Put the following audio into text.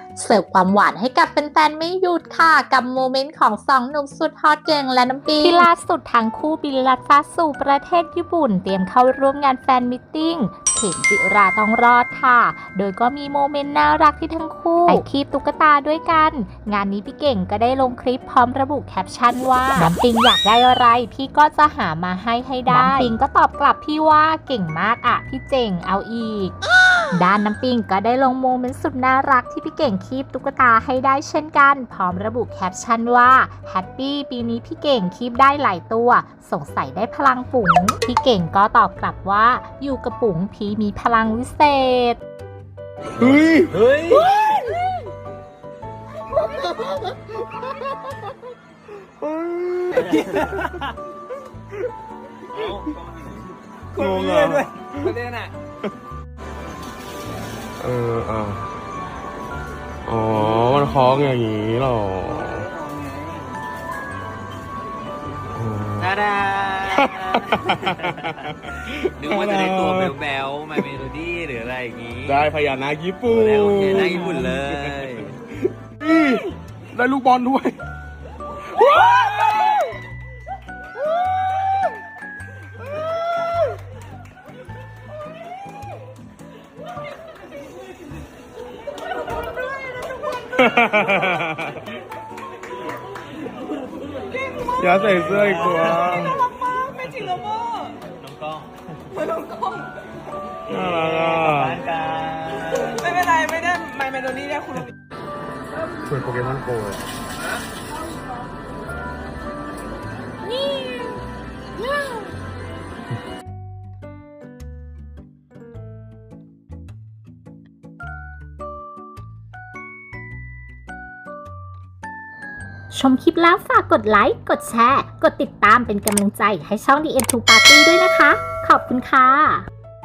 เสิร์ฟความหวานให้กับแฟนๆไม่หยุดค่ะกับโมเมนต์ของสองหนุ่มสุดฮอตเจงและน้ำปิงที่ล่าสุดทั้งคู่บินลัดฟ้าสู่ประเทศญี่ปุ่นเตรียมเข้าร่วมงานแฟนมิทติ้งเข็มจิราต้องรอดค่ะโดยก็มีโมเมนต์น่ารักที่ทั้งคู่ไปคีบตุ๊กตาด้วยกันงานนี้พี่เก่งก็ได้ลงคลิปพร้อมระบุแคปชั่นว่าน้ำปิงอยากได้อะไรพี่ก็จะหามาให้ได้น้ำปิงก็ตอบกลับพี่ว่าเก่งมากอ่ะพี่เจ๋งเอาอีกด้านน้ำปิงก็ได้ลงโมเมนต์สุดน่ารักที่พี่เก่งคีบตุ๊กตาให้ได้เช่นกันพร้อมระบุแคปชั่นว่าแฮปปี้ปีนี้พี่เก่งคีบได้หลายตัวสงสัยได้พลังปุ๋งพี่เก่งก็ตอบกลับว่าอยู่กับปุ๋งพี่มีพลังวิเศษเฮ้ยเฮ้ยงงเลยด้วยประเด็นอ่ะอ๋อมันคล้องอย่างนี้หรอดาดานึกว่าจะได้ตัวแบลๆมาเมโลดี้หรืออะไรอย่างงี้ได้พญานาคญี่ปุ่นโอเคนาคญี่ปุ่นเลยได้ลูกบอลด้วยอย่าใส่เสื้ออีกตัวน่ารักมากเป็นจิโรโม่น้องกล้องน้องกล้องน่ารักอ่ะไม่เป็นไรไม่ได้ไมเมโลดี้ได้คุณชวนโปเกมอนโกเลยชมคลิปแล้วฝากกดไลค์ กดแชร์ กดติดตามเป็นกำลังใจให้ช่อง The End to Party ด้วยนะคะ ขอบคุณค่ะ